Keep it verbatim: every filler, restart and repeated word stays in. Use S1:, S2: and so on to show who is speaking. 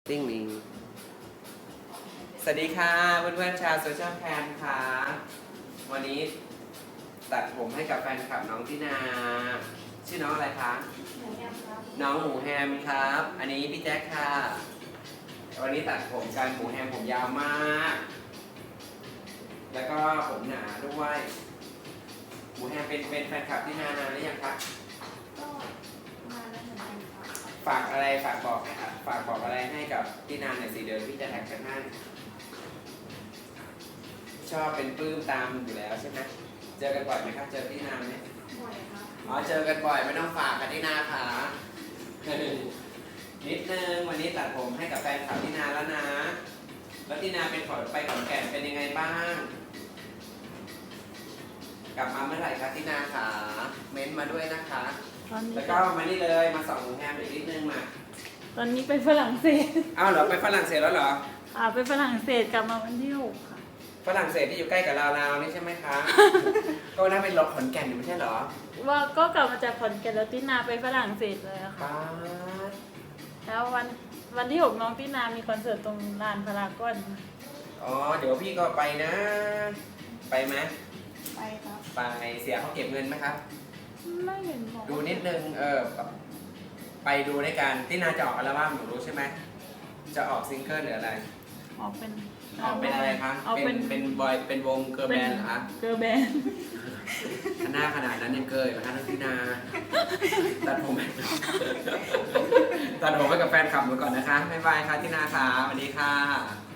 S1: ติ้งมิงสวัสดีค่ะเพื่อนๆชาวโซเชียลแคมค่ะวันนี้ตัดผมให้กับแฟนคลับน้องตินาชื่อน้องอะไรคะ
S2: หมูแฮมครับ
S1: น้องหมูแฮมครับ อันนี้พี่แจ็คค่ะวันนี้ตัดผมกันหมูแฮมผมยาวมาก แล้วก็ผมหนาด้วยหมูแฮมเป็นเป็นแฟนคลับตินานานหรือยังครับ
S2: ก็มาแล้วเหมือนกันครับ
S1: ฝากอะไรฝากบอกฝากบอกอะไรให้กับตินาหน่อยสิเดินพี่จะแท็กกันให้ชอบเป็นปลื้มตามอยู่แล้วใช่ไหมเจอกันบ่อยไหมครับเจอพี่นาไหม
S2: บ่อยครับ
S1: อ๋อเจอกันบ่อยไม่ต้องฝากกันที่นาค่ะนิดนึงวันนี้ตัดผมให้กับแฟนคลับที่นาแล้วนะแล้วที่นาเป็นขอไปขอนแก่นเป็นยังไงบ้างกลับมาเมื่อไหร่คะที่นาขาเม้นมาด้วยนะคะแล้วก็มานี่เลยมาส่องหมูแฮมอีกนิดนึงมา
S3: ตอนนี้ไปฝรั่งเศส
S1: อ้าวเหรอไปฝรั่งเศสแล้วเหรอ
S3: อ่าไปฝรั่งเศสกลับมาวันที่หกค่ะ
S1: ฝรั่งเศสที่อยู่ใกล้กับลาวๆนี่ใช่ไหมคะ ก็น่าเป็นรถขอนแก่นอยู่ไม่ใช่เหรอ
S3: ว่าก็กลับมาจากขอนแก่นแล้วตินาไปฝรั่งเศสเลยอะค่ะแล้ววันวันที่หกน้องตินามีคอนเสิร์ตตรงลานพารากอน
S1: อ๋อเดี๋ยวพี่ก็ไปนะ ไปไหม
S2: ไปครับ
S1: ไปเสียเขาเก็บเงินไหมครับ
S3: ไม่เห็นบอก
S1: ดูนิดนึงเออไปดูในการที่นาจะออกอัลบั้มหนูรู้ใช่ไหมจะออกซิงเกิลหรืออะไร
S3: ออกเป็น
S1: ออกเป็นอะไรคะเป็นเป็นบอยเป็นวงเกิร์ลแบนด์เหรอคะ
S3: เกิร์ลแบนด์
S1: หน้าขนาดนั้นยังเกิดนะคะทั้งที่นาตัดผมตัดผมไปกับแฟนคลับมาก่อนนะคะบ๊ายบายค่ะที่นาค่ะสวัสดีค่ะ